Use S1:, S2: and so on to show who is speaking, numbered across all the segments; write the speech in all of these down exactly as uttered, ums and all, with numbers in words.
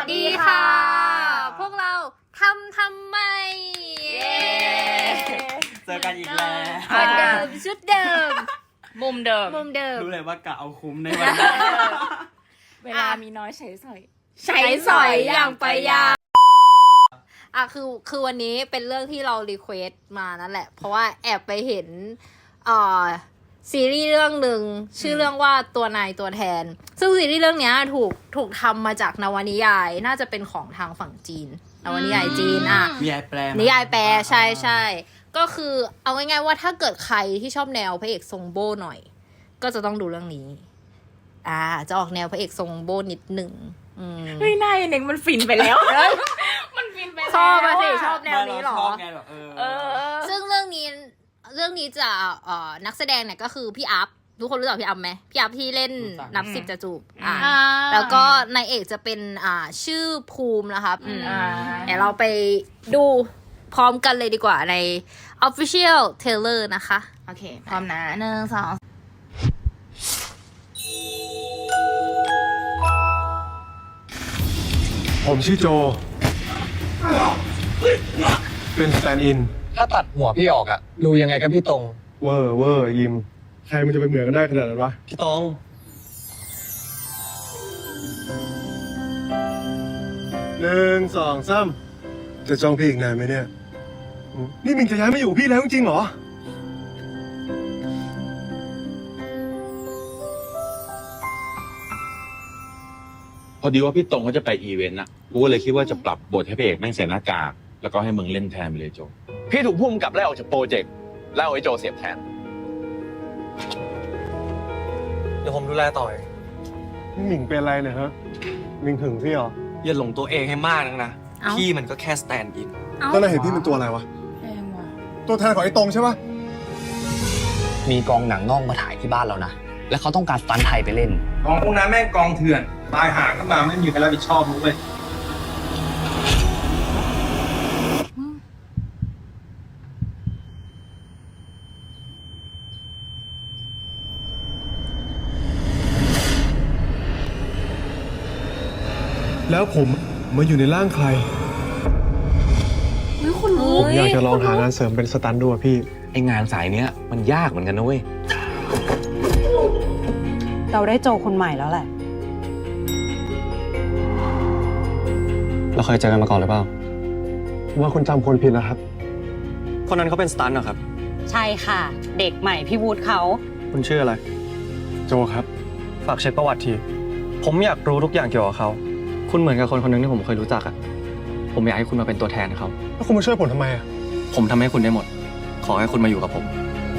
S1: ดีค่ะพวกเราทำทำไม
S2: เจอกันอีกแล้ว
S1: เหมือนเดิมชุดเดิม
S3: มุมเดิม
S1: มุมเดิม
S2: รู้เลยว่ากะเอาคุ้มในวันนี้
S3: เวลามีน้อยใช้สอย
S1: ใช้สอยอย่างประหยัดอ่ะคือคือวันนี้เป็นเรื่องที่เรารีเควสต์มานั่นแหละเพราะว่าแอบไปเห็นเอ่อซีรีส์เรื่องหนึ่งชื่อเรื่องว่าตัวนายตัวแทนซึ่งซีรีส์เรื่องนี้ถูกถูกทำมาจากนวนิยายน่าจะเป็นของทางฝั่งจีนนวนิยายจีนอ่ะ
S2: นิยายแปล
S1: นิยายแปลใช่ใช่ก็คือเอาง่ายๆว่าถ้าเกิดใครที่ชอบแนวพระเอกทรงโบ้หน่อยก็จะต้องดูเรื่องนี้อ่าจะออกแนวพระเอกทรงโบ้นิดหนึ่ง
S3: เฮ้ยนายเน็กมันฟินไปแล้ว มันฟินไปแล้ว
S1: ชอบมาสิชอบแนวนี้หรอ
S2: เออ
S1: ซึ่งเรื่องนี้เรื่องนี้จะเอ่อนักแสดงเนี่ยก็คือพี่อัพทุกคนรู้จักพี่อัพไหมพี่อัพที่เล่นนับสิบจะจูบอ่าแล้วก็นายเอกจะเป็นอ่าชื่อภูมินะคะเดี๋ยวเราไปดูพร้อมกันเลยดีกว่าใน official trailer นะคะ
S3: โอเคพร้อมนะหนึ่งสอง
S4: ผมชื่อโจ เป็นสแตนด์อิน
S5: ถ้าตัดหัวพี่ออกอะดูยังไงกันพี่ตรง
S4: เวอร์เวอร์ยิม ใครมันจะไปเหมือนกันได้ขนาดนั้นวะ
S5: พี่ตรง
S4: หนึ่งสองสามจะจ้องพี่อีกนานไหมเนี่ย นี่มิงจะย้ายมาอยู่พี่แล้วจริงๆเหรอ
S6: พอดีว่าพี่ตรงเขาจะไปอีเวนต์อะกูก็เลยคิดว่าจะปรับบทให้พระเอกแม่งใส่หน้ากากแล้วก็ให้มึงเล่นแทนไปเลยโจ
S5: พี่ถูกพุ่มกับไล่ออกจากโปรเจกต์แล้วเอาไอ้โจเสียบแทน เดี๋ยวผมดูแลต่อเอง
S4: นี่มิงเป็นอะไรเนี่ยฮะ มิงถึงพี่เหรอ
S5: อย่าหลงตัวเองให้มากนักนะ พี่มันก็แค่สแตนด์อิน
S4: แล้วนายเห็นพี่เป็นตัวอะไรวะ
S3: แรงว่ะ
S4: ตัวแทนของไอ้ตรงใช่ปะ
S7: มีกองหนังนอกมาถ่ายที่บ้านเรานะ แล้วเขาต้องการสตันท์ไทยไปเล่น
S5: กองพวกนั้นแม่งกองเถื่อน ตายหาขึ้นมาไม่มีใครรับผิดชอบมึงเลย
S4: แล้วผมมาอยู่ในร่างใคร
S3: คุณรู้
S4: ผมอยากจะลองหางานเสริมเป็นสตันท์ดูอะพี่
S6: ไองานสายเนี้ยมันยากเหมือนกันนะเว้ย
S8: เราได้โจคนใหม่แล้วแหละ
S5: เราเคยเจอกันมาก่อนหรือเปล่า
S4: ว่าคุณจำคนผิดแล้วครับ
S5: คนนั้นเขาเป็นสตันท์เหรอครับ
S8: ใช่ค่ะ เด็กใหม่พี่วูดเขา
S5: คุณชื่ออะไร
S4: โจครับ
S5: ฝากเช็คประวัติที ผมอยากรู้ทุกอย่างเกี่ยวกับเขา คุณเหมือนกับคนคนหนึงที่ผมเคยรู้จักอะผมอยากให้คุณมาเป็นตัวแทนเขา
S4: แล้วคุณมาช่วยผมทำไมอะ
S5: ผมทำให้คุณได้หมด ขอให้คุณมาอยู่กับผม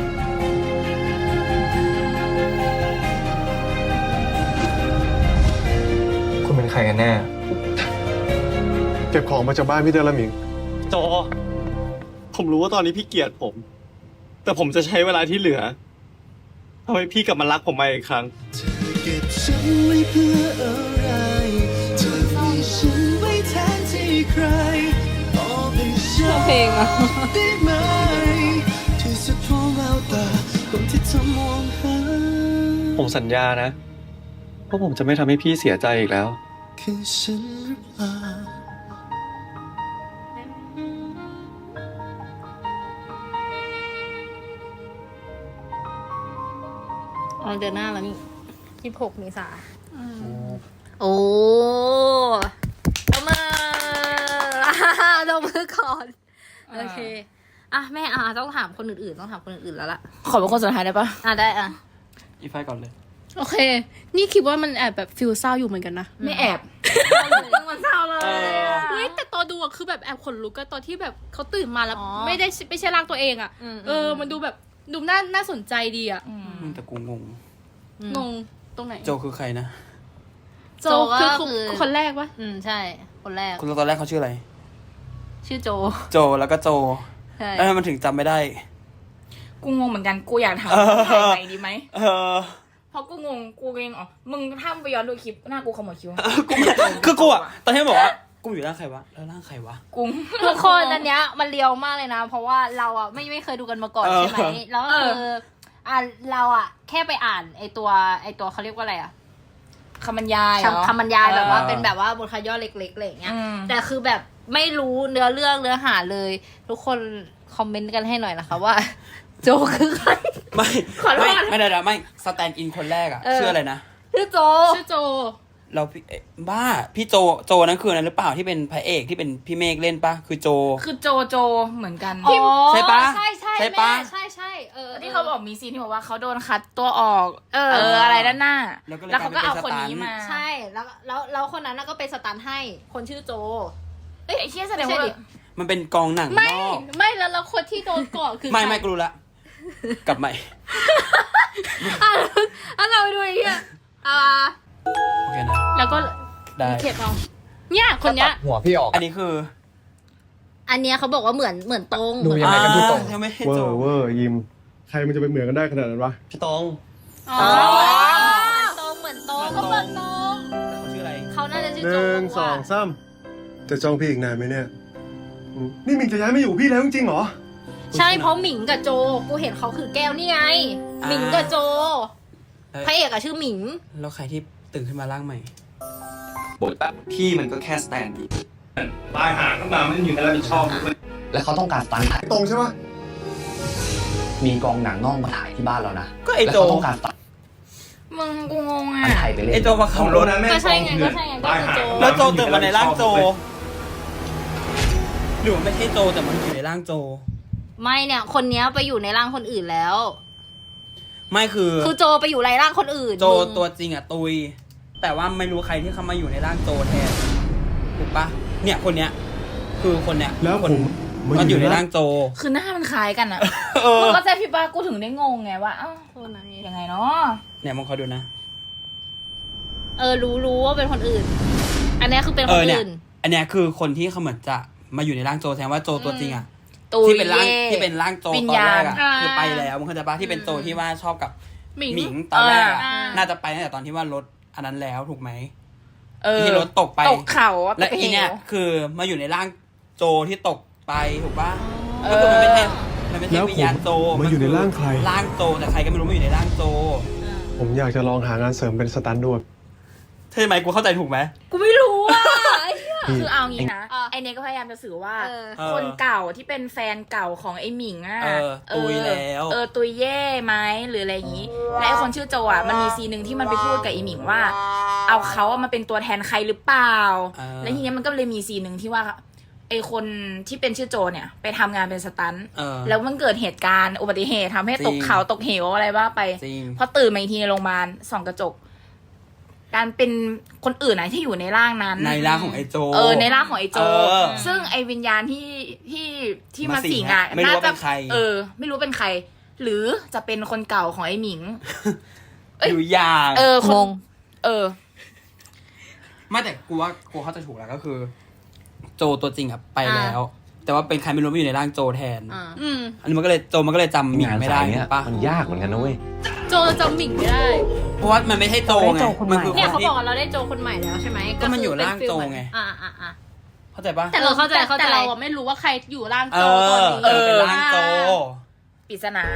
S5: คุณเป็นใครกันแน่
S4: เก็บของมาจากบ้านพี่เดลมิง
S5: โจ ผมรู้ว่าตอนนี้พี่เกลียดผม แต่ผมจะใช้เวลาที่เหลือทำให้พี่กลับมารักผมมาอีกครั้ง
S9: เก็บฉันไว้เพื่ออะไรเธอมีฉันไว้แทนที่ใครบอกให้ฉันได้ไหมที่สุดของแววตาคนที่เธอมองหา
S5: ผมสัญญานะว่าผมจะไม่ทำให้พี่เสียใจอีกแล้ว
S9: คือฉันหรือเปล่า
S1: อ๋อเดือนหน้าแล้วนี่ยี่สิบหกเมษาโอ้ตบมือตบมือก่อนโอเคอ่ะแม่อ่ะต้องถามคนอื่นๆต้องถามคนอื่นๆแล้วล่ะ
S3: ขอเป็นคนสุดท้ายได้ปะ
S1: อ่ะได้อ่ะ
S2: อีไฟก่อนเลย
S10: โอเค นี่คิดว่ามันแอบแบบฟิลเศร้าอยู่เหมือนกันนะ
S3: ไม่แอบ
S1: มันเศร้าเลย
S10: เฮ้ยแต่ตอนดูอะคือแบบแอบขนลุกก็ตอนที่แบบเขาตื่นมาแล้วไม่ได้ไม่ใช่ร่างตัวเองอะเออมันดูแบบดูน่าน่าสนใจดีอะ
S2: แต่กูงง
S10: งงตรงไหน
S2: โจคือใครนะ
S10: โจคือคนแรกปะ
S1: อืมใช่คนแรก
S2: คุณตอนแรกเขาชื่ออะไร
S1: ชื่อโจ
S2: โจแล้วก็โจ
S1: ใช่
S2: แล้วมันถึงจำไม่ได้
S3: กูงงเหมือนกัน กูอยากถาม
S2: เออ
S3: ถ่ายไปดีไหม
S2: เออ
S3: เพราะกูงง กูเองอ๋อมึงถ้าไปย้อนดูคลิปหน้ากูขมวดคิ้ว
S2: กูคือกูอะตอนที่บอกว่ากูอยู่ร่างใครวะแล้วร่างใครวะ
S3: กู
S1: ทุกคนอันเนี้ยมันเลียวมากเลยนะ เพราะว่าเราอ่ะไม่ไม่เคยดูกันมาก่อน
S2: เออ
S1: ใช่ไหมแล้วก็คืออ่ะเราอ่ะแค่ไปอ่านไอตัวไอตัวเขาเรียกว่าอะไรอ่ะ
S3: คำบรรยายเหรอ
S1: คำบรรยายแบบว่า
S2: เออ
S1: เป็นแบบว่าบทคัดย่อเล็กๆอะไรอย่างเงี้ย
S3: อืม
S1: แต่คือแบบไม่รู้เนื้อเรื่องเนื้อหาเลย ทุกคนคอมเมนต์กันให้หน่อยนะคะว่า โจคือใคร
S2: ไม่
S1: ขอโทษ
S2: ไม่ไม่ได้ไม่สแตนด์อินคนแรกอะ
S1: เออ
S2: ชื่ออะไรนะ
S1: ชื่อโจ
S10: ชื่อโจ
S2: เราพี่เอ๊ะบ้าพี่โจโจนั้นคือนั้นหรือเปล่าที่เป็นพระเอกที่เป็นพี่เมฆเล่นปะคือโจ
S3: คือโจโจเหมือนกัน
S1: อ๋อ
S2: ใช่ปะ
S1: ใช่ใช่
S2: ใช่ปะ
S1: แม่ใช่ใช่เออ
S3: ที่เขาบอกมีซีนที่บอกว่าเขาโดนคัดตัวออก
S1: เออ
S3: เอออะไรด้านหน้า
S2: แล้วก็เลย
S3: แล้วเขาก็เอา
S2: กลาย
S3: คน
S2: เป็น
S3: นี้มา
S1: ใช่แล้วแล้วแล้วคนนั้นน่ะก็เป็นสตันให้คนชื่อโจ
S3: เอ้ยไอ้เชี่ยแสดง
S1: ไม่
S3: ว่า
S1: ใช่ดิ
S2: มันเป็นกองหนัง
S10: ไม่
S2: นอก
S10: ไม่แล้วแล้วคนที่โดนก่อนคือ
S2: ไม่
S10: ใคร
S2: ไม่กูรู้ละกลับใหม่
S1: อ่ะอ่ะเราไปดูอีกทีอ่ะอ่า
S2: โอเคนะ
S10: แล้วก็
S2: ได้
S10: เข็ดเอาเนี่ยคนเนี้ย
S7: หัวพี่ออก
S2: อันนี้คือ
S1: อันเนี้ยเขาบอกว่าเหมือนเหมือนตรง
S7: ดูยังไงกันพี่ตรง
S2: อ่ายังไม่ให้
S4: เวอ
S2: โจ
S4: ร์เวอร์ยิม ใครมันจะไปเหมือนกันได้ขนาดนั้นวะ
S5: พี่ตอง
S1: อ๋อตรงเหมือนตรง
S2: เหมื
S1: เขา
S2: อนตรง
S1: เหมือนตรง
S2: เขาชื่ออะไร
S1: เขาน่าจะชื่อ
S4: ห
S1: โจ
S4: นึ่งสองสามจะจองพี่อีกนานไหมเนี่ยอืมนี่มิงจะย้ายมาอยู่พี่แล้วจริงๆเหรอ
S1: ใช่เพราะหมิงกับโจ กูเห็นเขาคือแก้วนี่ไง
S2: อ่า
S1: หมิงกับโจ
S2: เอ้ย
S1: พระเอกอะชื่อหมิง
S2: แล้วใครที่ตื่นขึ้นมาร่างใหม่
S5: บทแบบพี่มันก็แค่สแตนด์อินตายหาขึ้นมาไม่มีใครรับผิดชอบ
S7: และเขาต้องการสตันท์ไทย
S4: ตรงใช่ปะ
S7: มีกองหนังนอกมาถ่ายที่บ้านเรานะ
S2: ก็ไอ้
S7: และ
S2: โจ
S7: เขาต้องการสตัน
S3: มึงกูงง
S7: ท์
S3: อ่ะ
S7: ไทยไปเล่น
S2: ไอ้โจมาขับรถ
S1: ก็ใช่ไงก็ใช่ไงก็คือโจ
S2: แล้วโจตื่นมาในร่างโจหรือว่าไม่ใช่โจแต่มันอยู่ในร่างโจ
S1: ไม่เนี่ย คนเนี้ยไปอยู่ในร่างคนอื่นแล้ว
S2: ไม่คือ
S1: คือโจไปอยู่ในร่างคนอื่น
S2: โจ
S1: มึง
S2: ตัวจริงอะตุย แต่ว่าไม่รู้ใครที่เข้ามาอยู่ในร่างโจแทนถูกปะเนี่ยคนเนี้ย คือคนเนี้ย
S4: แล้ว
S2: ค
S4: ผ
S2: น
S4: ม
S2: มันอยู่ในร่างโจ
S3: คือหน้ามันคล้ายกันอ่ะ
S2: เออ
S3: มึงก็ใจพี่ป้ากูถึงได้งงไงว่าเอ้า
S1: คนไหน
S3: ยังไงเนาะ
S2: เนี่ยมึงคอยดูนะ
S1: เออรู้รู้ว่าเป็นคนอื่น อันเนี้ยคือเป็น
S2: เอ
S1: ค
S2: อน เนี่ย
S1: อื่น
S2: อันเนี้ยคือคนที่เขาเหมือนจะมาอยู่ในร่างโจแทนว่าโจตัวจริงอะ
S3: ตุย
S2: ที่เป็นร่าง
S3: เย่
S2: ที่เป็นร่างโจ
S3: วิ
S2: ต
S3: ญ
S2: อน
S3: ญา
S2: แร
S3: ณ
S2: กอะ
S10: อ่า
S2: คือไปแล้วมึงเข้าใจปะที่เป็นโจที่ว่าชอบกับ
S10: หมิง
S2: หมิงตอนแรกอะ
S10: อ่า
S2: น่าจะไปตั้งแต่ตอนที่ว่ารถอันนั้นแล้วถูกไหม
S3: เออ
S2: ที่รถตกไป
S3: ตกเขาอะ
S2: และ
S3: ไป
S2: อีเนี่ย
S3: หว
S2: คือมาอยู่ในร่างโจที่ตกไปถูกปะ
S3: เอ
S2: ก็
S3: อ
S2: คือมันไม่ใช่มันไม่ใช่
S4: แล้วผม
S2: วิญญาณโจ
S4: มาอยู่ในร่างใคร
S2: ร่างโจแต่ใครก็ไม่รู้มาอยู่ในร่างโจ
S4: ผมอยากจะลองหางานเสริมเป็นสตันท์ด้วย
S2: ใช่ไหมกูเข้าใจถูกไหม
S1: กูไม่รู้อ่ะไอ้เหี้ย
S3: คือเอางี้นะ
S1: อ่ะ
S3: ไอเนยก็พยายามจะสื่อว่า
S1: เออ
S2: เออ
S3: คนเก่าที่เป็นแฟนเก่าของไอหมิงอ่ะ
S2: เออตุยแล้ว
S3: เออตุยเย่ไหมหรืออะไรอย่างนี้ และไอคนชื่อโจอ่ะมันมีซีนหนึ่งที่มันไปพูดกับไอหมิงว่า เอาเขาอะมาเป็นตัวแทนใครหรือเปล่า
S2: เออ
S3: แล้วทีเนี้ยมันก็เลยมีซีนหนึ่งที่ว่าไอคนที่เป็นชื่อโจเนี่ยไปทำงานเป็นสตันท์
S2: เออ
S3: แล้วมันเกิดเหตุการณ์อุบัติเหตุทำให้
S2: จริง
S3: ตกเขาตกเหวอะไรบ้าไป
S2: จริง
S3: พอตื่นมาอีกทีในโรงพยาบาลส่องกระจก การเป็นคนอื่นนะที่อยู่ในร่างนั้น
S2: ในร่างของไอ้โจ
S3: เออในร่างของไอ้โจ
S2: เออ
S3: ซึ่งไอ้วิญญาณที่ที่ที่
S2: มา
S3: มา
S2: สิง
S3: สิง
S2: อะ
S3: อ่ะ
S2: ไม่รู้
S3: น่า
S2: ว่าเป็
S3: จะ
S2: นใคร
S3: เออ ไม่รู้เป็นใคร หรือจะเป็นคนเก่าของไอ้หมิง เอ้ย
S2: อยู่อย่าง
S3: เออคน
S1: งง
S3: เออ
S2: ไม่แต่กูว่ากูเข้าใจถูกแล้วก็คือ โจตัวจริงอะไปแล้ว แต่ว่าเป็นใครไม่รู้มาอยู่ในร่างโจแทน
S1: อ่า
S10: อืม
S2: อันนี้มันก็เลยโจมันก็เลยจำหมิง
S6: งาน
S2: ไม่
S6: สา
S2: ได้
S6: ยเนี้
S2: ถู
S6: ย
S2: กปะ
S6: มันยากเหมือนกันนะเว้ย
S10: โจจำหมิงไม่ได้
S2: เพราะว่ามันไม่ใช่โจไง
S8: เราได้โจคนใหม่
S2: มันคือ
S1: เนี่ย
S2: ค
S1: เขา
S2: นที่
S1: บอกว่าเราได้โจคนใหม่แล้วใช่ไหม
S2: ก็มันอยู่
S1: คือเป็
S2: ร่างโจไง
S1: อ่าอ่าอ่า
S2: เข้าใจปะ
S1: แต่เราเข้าใจเข้าใจ
S10: แต่เราอะไม่รู้ว่าใครอยู่ร่าง
S2: เอ
S10: โจตอน
S2: อ
S10: นี้
S2: เออเป็นร่างโจ
S3: ปริศนา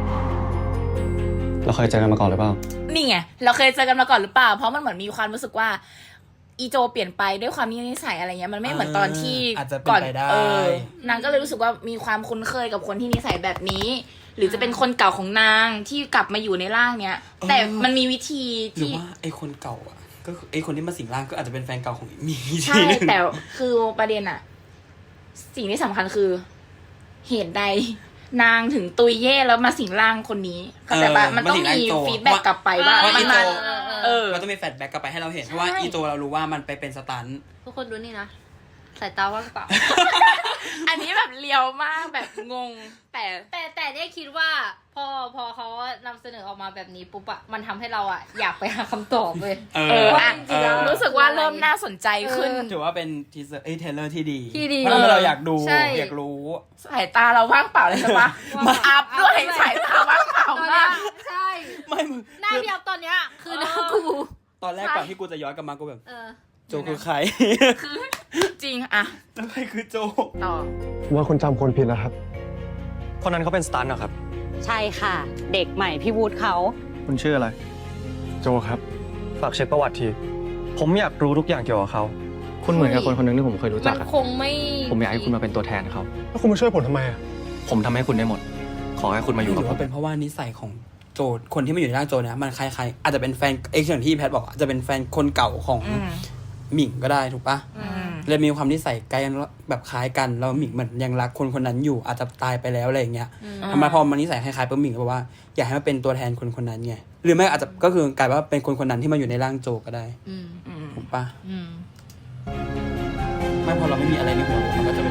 S5: เราเคยเจอกันมาก่อนหรือเปล่า
S3: นี่ไง เราเคยเจอกันมาก่อนหรือเปล่า เพราะมันเหมือนมีความรู้สึกว่า อีโจเปลี่ยนไปด้วยความนิสัยอะไรเงี้ย มันไม่เหมือนตอนที่
S2: อาจจะเป็น
S3: ก่อน
S2: ไปได้
S3: เออนางก็เลยรู้สึกว่ามีความคุ้นเคยกับคนที่นิสัยแบบนี้ หรือจะเป็นคนเก่าของนางที่กลับมาอยู่ในร่างเนี้ย แต่มันมีวิธี
S2: หรือ
S3: ที่
S2: ว่าไอ้คนเก่าอ่ะ ก็คือไอ้คนที่มาสิงร่างก็อาจจะเป็นแฟนเก่าของหมี
S3: ใช่ แต่คือประเด็นอะสิ่งที่สำคัญคือ เหตุใดนางถึงตุยเย่แล้วมาสิงร่างคนนี้เข้าใจปะมันต้องมีฟีดแบ็กกลับไปว่า
S2: เพราะ
S3: มั
S2: อี
S3: น
S2: โจ
S3: มาเออ
S2: มันต้องมีแฟลชแบ็กกลับไปให้เราเห็นเพราะว่าอีโจเรารู้ว่ามันไปเป็นสตันท์
S1: ทุกคนดูนี่นะสายตาว่างเปล่า
S3: อันนี้แบบเลียวมากแบบงง แต่
S1: แต่แต่ได้คิดว่าพอพอเขานำเสนอออกมาแบบนี้ปุ๊บอะมันทำให้เราอะอยากไปหาคำตอบเลย
S2: เอ
S3: เอ
S2: อ
S3: ออะ
S1: จริงๆแล้ว
S3: รู้สึกว่าเริ่มน่าสนใจขึ้น
S2: ถือว่าเป็นทีเซอร์เอ้ยเทรลเลอร์ที่ดี
S1: ที่ดี
S2: เพราะเราอยากดู
S1: ใช่
S2: อยากรู้
S3: สายตาเราว่างเปล่าเลยใช่ปะ
S1: ว่าง
S3: อัพด้วยสายตาว่างเปล่า
S1: ตอน
S3: มา
S1: เนี้ย
S3: ก
S1: ใช่
S2: ไม่มึง
S1: หน้าพี่อัพตอนเนี้ยคือหน้ากู
S2: ตอนแรกก่อนที่กูจะย้อนกลับมากูแบบ
S1: เออ
S2: โจคือใคร
S3: จริงอะ
S2: แล้วใครคือโจ
S3: ต่อ
S4: ว่าคุณจำคนผิดแล้วครับ
S5: คนนั้นเขาเป็นสตันท์เหรอครับ
S8: ใช่ค่ะ เด็กใหม่พี่วูดเขา
S5: คุณชื่ออะไร
S4: โจครับ
S5: ฝากเช็คประวัติที ผมอยากรู้ทุกอย่างเกี่ยวกับเขา คุณเหมือนกับคนคนหนึงที่ผมเคยรู้จั
S1: มั
S5: ก
S1: น
S5: อะ
S1: คงไม่
S5: ผมอยากให้คุณมาเป็นตัวแทนเขา
S4: แล้วคุณมาช่วยผมทำไมอ่ะ
S5: ผมทำให้คุณได้หมด ขอให้คุณมาอยู่
S2: ห
S5: กั
S2: รื
S5: บ
S2: อ
S5: ผม
S2: ว่าเป็นเพราะว่านิสัยของโจคนที่มาอยู่ในร่างโจเนี่ยมันคล้ายๆอาจจะเป็นแฟนเอ็กซ์อย่างที่แพทบอกอาจจะเป็นแฟนคนเก่าของ
S3: อืม
S2: หมิงก็ได้ถูกปะ
S3: อืม
S2: เลยมีความนิสัยใกล้กันแบบคล้ายกันแล้วหมิงเหมือนยังรักคนคนนั้นอยู่อาจจะตายไปแล้วอะไรอย่างเงี้ยทำไมพอมันนิสัยคล้ายๆปุ๊บหมิงก็บอกว่าอยากให้มาเป็นตัวแทนคนคนนั้นไงหรือไม่อาจจะก็คือกลายว่าเป็นคนคนนั้นที่มาอยู่ในร่างโจก็ได้
S1: อืม
S3: อืม
S2: ถูกปะ
S1: อืม
S2: ไม่พอเราไม่มีอะไรในหัวมันก็จะเป็น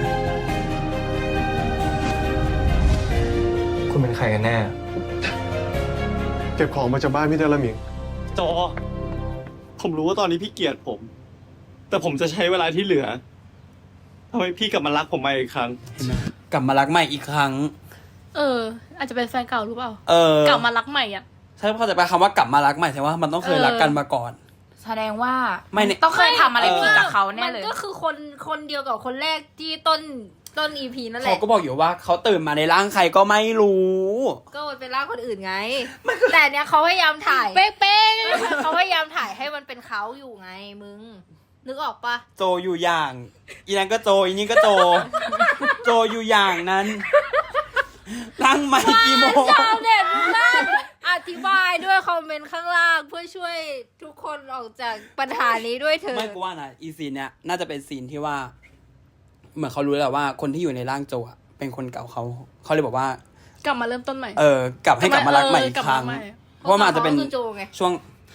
S5: คุณเป็นใครกันแน่
S4: เก็บของมาจากบ้านพี่ได้ละหมิง
S5: โจ ผมรู้ว่าตอนนี้พี่เกลียดผม แต่ผมจะใช้เวลาที่เหลือทำให้พี่กลับมารักผมมาอีกครั้ง
S2: เห็นไหมกลับมารักใหม่อีกครั้ง
S10: เออ อาจจะเป็นแฟนเก่าหรือเปล่า
S2: เออก
S10: ลับมารักใหม่อ่ะ
S2: ใช่เข้าใจปะคำว่ากลับมารักใหม่แสดงว่ามันต้องเคยรักกันมาก่อน
S3: แสดงว่า
S2: ไม่เนี่ย
S3: ต้องเคยทำอะไรผิดกับเขาแน่เลย
S1: มันก็คือคนคนเดียวกับคนแรกที่ต้นต้นอีพีนั่นแห
S2: เขา
S1: ละ
S2: ก็บอกอยู่ว่าเขาตื่นมาในร่างใครก็ไม่รู้
S1: ก็เป็นร่างคนอื่นไง แต่เนี้ยเขาพยายามถ่าย
S10: เป๊ะ
S1: เขาพยายามถ่ายให้มันเป็นเขาอยู่ไงมึง นึกออกปะ
S2: โจอยู่อย่าง อีนั้นก็โจอีนี่ก็โจ โจอยู่อย่างนั้นร่างใหม่กี่โมง
S1: ชาวเน็ตนั่นอธิบายด้วยคอมเมนต์ข้างล่างเพื่อช่วยทุกคนออกจากปัญหานี้ด้วยเถอะ
S2: ไม่กูว่านะอีซีนเนี้ยน่าจะเป็นซีนที่ว่า เหมือนเขารู้แล้วว่าคนที่อยู่ในร่างโจอะเป็นคนเก่าเขาเขาเลยบอกว่า
S10: ๆกลับมาเริ่มต้นใหม่
S2: เออกลับให้กลับมารักใหม่อีกครั้ง
S10: เออกลับมาใหม่
S2: เพราะว่ามันอาจจะเป็น
S1: พราคือโจไง
S2: ช่วง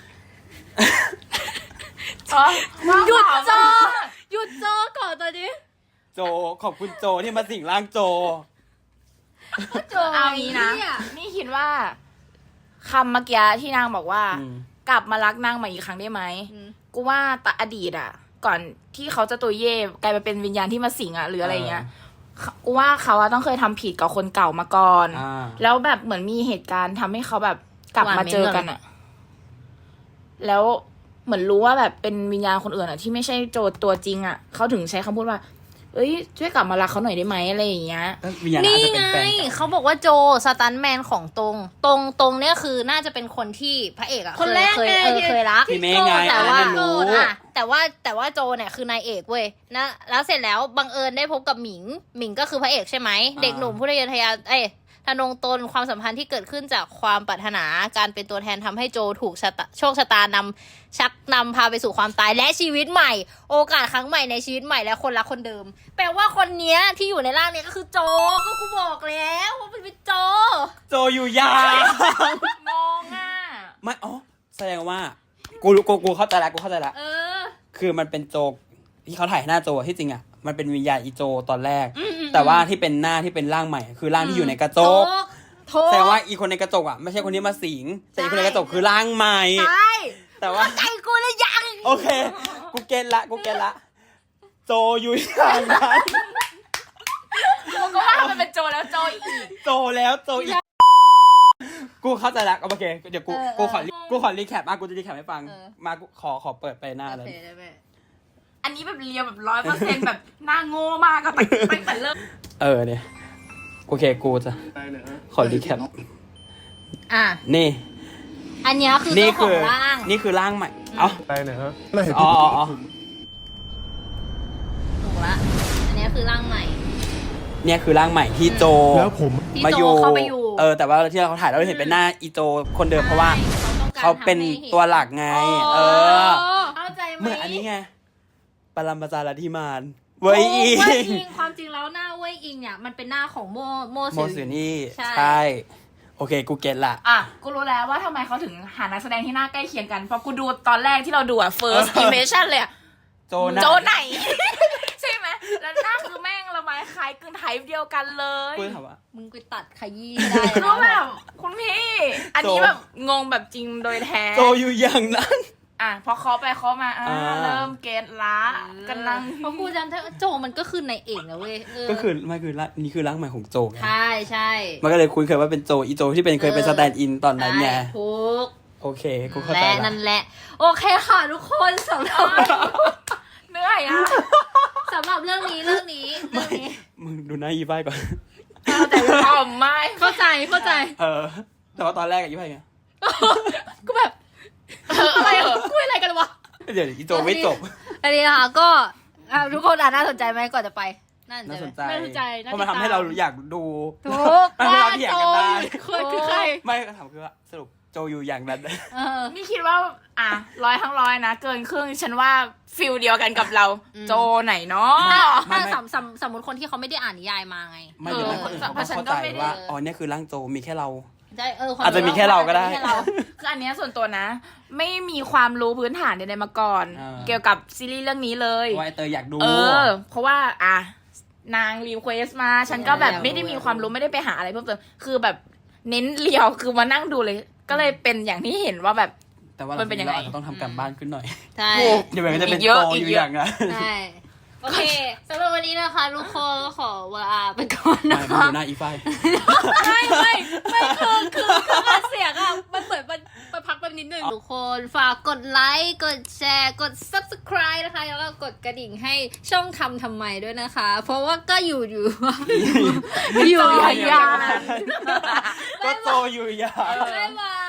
S3: อ๋อ
S10: หยุดโจหยุดโจก่อนตอนนี้
S2: โจขอบคุณโจที่มาสิงร่างโจ
S1: โจ
S3: เอางี้นะ
S1: เย
S3: นี่คิดว่าคำเมื่อกี้ที่นางบอกว่า
S2: อืม
S3: กลับมารักนางใหม่อีกครั้งได้ไหม
S1: อืม
S3: กูว่าแตอดีตอ่ะ ก่อนที่เขาจะตัวเย่กลายมาเป็นวิญญาณที่มาสิงอ่ะหรืออะไรเงี้ยกูว่าเขาอะต้องเคยทำผิดกับคนเก่ามาก่อน
S2: อ่า
S3: แล้วแบบเหมือนมีเหตุการณ์ทำให้เขาแบบกลับมาเจอกันอ่ะ แล้วเหมือนรู้ว่าแบบเป็นวิญญาณคนอื่นอ่ะ ที่ไม่ใช่โจทย์ตัวจริงอ่ะเขาถึงใช้คำพูดว่า เอ้ยช่วยกลับมารักเขาหน่อยได้ไหมอะไรอย่างเงี้ย
S2: ก็วิญญาณอา
S1: นี่
S2: จจะเป็น
S1: ไง
S2: แฟนกัน
S1: เขาบอกว่าโจสตันแมนของตรง ตรงตรงเนี่ยคือน่าจะเป็นคนที่พระเอกอะ
S10: คนแรก
S1: เคย
S10: ไง
S1: เออ
S10: ที่
S1: เคยรัก
S2: พี่เมย์ไง
S1: แต่
S2: อัน
S1: ว่า
S2: นั้นรู้
S1: อะแต่ว่าแต่ว่าโจเนี่ยคือนายเอกเว้ยนะแล้วเสร็จแล้วบังเอิญได้พบกับหมิง หมิงก็คือพระเอกใช่ไหม เด็กหนุ่มผู้ทะเยอทะยานเอ้ยทะนงตนความสัมพันธ์ที่เกิดขึ้นจากความปรารถนาการเป็นตัวแทนทำให้โจถูกชะตาโชคชะตานำชักนำพาไปสู่ความตายและชีวิตใหม่ โอกาสครั้งใหม่ในชีวิตใหม่และคนรักคนเดิม แปลว่าคนเนี้ยที่อยู่ในร่างเนี้ยก็คือโจก็กูบอกแล้วว่ามันเป็นโจ
S2: โจอยู่อย่าง
S3: งงอ่ะ
S2: ไม่อ๋อแสดงว่า กูรู้กูกูเข้าใจละกูเข้าใจละ
S1: เออ
S2: คือมันเป็นโจที่เขาถ่ายหน้าโจที่จริงอ่ะมันเป็นวิญญาณอีโจตอนแรก แต่ว่าที่เป็นหน้าที่เป็นร่างใหม่ คือร่างที่อยู่ในกระจก
S1: โท
S2: แสดงว่าอีคนในกระจกอ่ะไม่ใช่คนที่มาสิงแต่อีคนในกระจกคือร่างใหม่
S1: ใช่
S2: แต่ว่า
S1: ใจกูเลยยัง
S2: โอเค กูเก็ตละกูเก็ตละโจอยู่อย่างนั้น
S3: กูก็ว่ามันเป็นโจแล้วโจอีก
S2: โจแล้วโจอีกกูเข้าใจละโอเคเดี๋ยวกูกูขอกูขอรีแคปมากูจะรีแคปให้ฟังมากูขอขอเปิดไปหน้าเลย
S3: อันนี้แบบเรียวแบบร้อยเปอร์เซ็นต์แบบหน้าโง่มากก็ตั้งตั้งแต่เริ่ม
S2: เออเนี่ยโอเคกูจะขอรีแคป
S1: อ่ะ
S2: นี่
S1: อันเนี้ยคือ
S2: นี่
S1: เจ้าขอ
S2: คื
S1: งร่าง
S2: นี่คือร่างใหม่ เอ้า
S4: ไปหน่อยฮะแล้วเห็น
S2: อ๋อ
S4: พี่
S2: อ๋ออ๋อ
S1: ถูกละ อันเนี้ยคือร่างใหม่
S2: เนี่ยคือร่างใหม่ที่โจ
S4: แล้วผม
S1: ที่
S2: มา
S1: โจ
S2: อยู่
S1: เข้าไปอยู่
S2: เออแต่ว่าที่เราถ่ายเราเห็นเป็นหน้าอีโจคนเดิมเพราะว่า
S1: ใช่
S2: เขาเป็น
S1: ต้องการทำให้ห็น
S2: ตัวหลักไง เออ
S1: เข้าใจไหม
S2: เหมือนอันนี้ไงปรมาจารย์ธิมานเว้ยอี
S1: โเว้ยอิงความจริงแล้วหน้าเว้ยอิงเนี่ยมันเป็นหน้าของโมโม
S2: โมสุนี่
S1: ใช่
S2: ใช่ โอเคกูเก็ตละ
S3: อ่ะ กูรู้แล้วว่าทำไมเขาถึงหานักแสดงที่หน้าใกล้เคียงกัน เพราะกูดูตอนแรกที่เราดูอ่ะ first impression เลยอ่ะ
S2: โจนะ
S3: โจไหน ใช่ไหม แล้วหน้าคือแม่งละไม้คล้ายกึ่งไทป์เดียวกันเลย
S2: กูถามว่า
S1: มึงไปตัดขยี้ได้
S3: ก็แบ
S1: นะ
S3: บคุณพี่ อันนี้
S2: โจ
S3: แบบงงแบบจริงโดยแท้
S2: โจอยู่อย่างนั้น
S3: อ่ะพอเคาะไปเคาะมาอ่า
S2: อ่า
S3: เริ่มเกตละกันลัง
S1: เพราะกูจำได้ว่าโจมันก็คือในเอกนะเว้ยเ
S2: ก็คือไม่คือร่างนี่คือร่างใหม่ของโจไง
S1: ใช่ใช่
S2: มันก็เลยคุ้นเคยว่าเป็นโจอีโจที่เป็นเคยเป็น
S1: เอ
S2: ส
S1: อ
S2: แตนด์อินตอนนั้นไง
S1: ใช่ถูก
S2: โอเคกูเข้าใจ
S1: และ
S2: ละ
S1: นั่นแหละ โอเคค่ะทุกคนสำหรับ
S3: เหนื่อยอ่ะ
S1: สำหรับเรื่องนี้เรื่องนี้เรื่องนี้
S2: มึงดูหน้ายีไฟก่อน
S3: แต่ก็ไม่
S10: เข้าใจเข้าใจ
S2: เออ แต่ว่าตอนแรกอะยีไฟไง
S10: ก็แบบอะไรว
S2: เดี๋ยวอีโจไม่จบ
S1: อันนี้นะคะก็อ่ะทุกคนอ่ะน่าสนใจไหมก่อนจะไปน่าสนใจ
S2: น่า
S1: ไห
S2: ส
S1: ม
S2: นใจ
S10: น่าสนใจน่า
S2: เพราะมัน
S10: ติดตาม
S2: ทำให้เราอยากดู
S1: ถูก
S2: มันทำให้เราเถียงกันได้
S10: คือคือใคร
S2: ไม่ก็ถามคือว่าสรุปโจอยู่อย่างนั้น
S1: เออ
S3: นี่คิดว่า อ่ะร้อยทั้งร้อยนะ เกินครึ่งฉันว่าฟิลเดียวกันกับเรา
S1: อืม
S3: โจไหนเนาะ
S1: ถ้าสมสมสมมติคนที่เขาไม่ได้อ่านนิยายมาไง
S2: ไม่เดี๋ยวให้คนอื่นเขา
S3: เพราะฉัน
S2: เข้า
S3: ก็
S2: ใจ
S3: ไม่ได้
S2: ว่าอ๋อเนี่ยคือร่างโจมีแค่เรา
S1: ใช่เออ
S2: อาจจะมีแค่เราก็ได้
S1: อจจะมีแค่เรา
S3: คืออันเนี้ยส่วนตัวนะ ไม่มีความรู้พื้นฐานใดๆมาก่อน
S2: อ่า
S3: เกี่ยวกับซีรีส์เรื่องนี้เลย
S2: ว่าไอเตยอยากดู
S3: เออ เพราะว่าอ่ะนางรีเควสมา ฉันก็แบบ
S1: อยากรู้
S3: ไม่ได้มีความรู้ไม่ได้ไปหาอะไรเพิ่มเติมคือแบบเน้นเรียวคือมานั่งดูเลย ก็เลยเป็นอย่างที่เห็นว่าแบบ
S2: แต่ว่า
S3: มันเป็นยังไง
S2: ราอาจจะต้องทำการบ้านขึ้นหน่อย
S1: ใช่
S2: เดี๋ยวมันก็จะเป็น
S3: อีกเยอะ
S2: โจ
S3: อี
S2: อก ยู่
S3: เยอะ
S2: อย่างนั้น
S1: ใช่โอเคสำหรับวันนี้นะคะทุกคนก็ขอลาไปก่อน
S2: ไม่
S1: นะ
S2: มา
S1: คะ
S2: ดูหน้าอีไฟ
S10: ไม่ไม่ไม่คือคือคือการเสียงอะมันเหมือนมันมันพักไปนิดนึง
S1: ทุกคนฝากกดไลค์กดแชร์กด subscribe นะคะแล้วก็กดกระดิ่งให้ช่องทำทำไมด้วยนะคะ เพราะว่าก็อยู่อยู่ อยู่
S3: โจ
S1: อย่าง
S3: ยาน
S2: ก็โจอยู่อย่าง
S1: บ๊ายบาย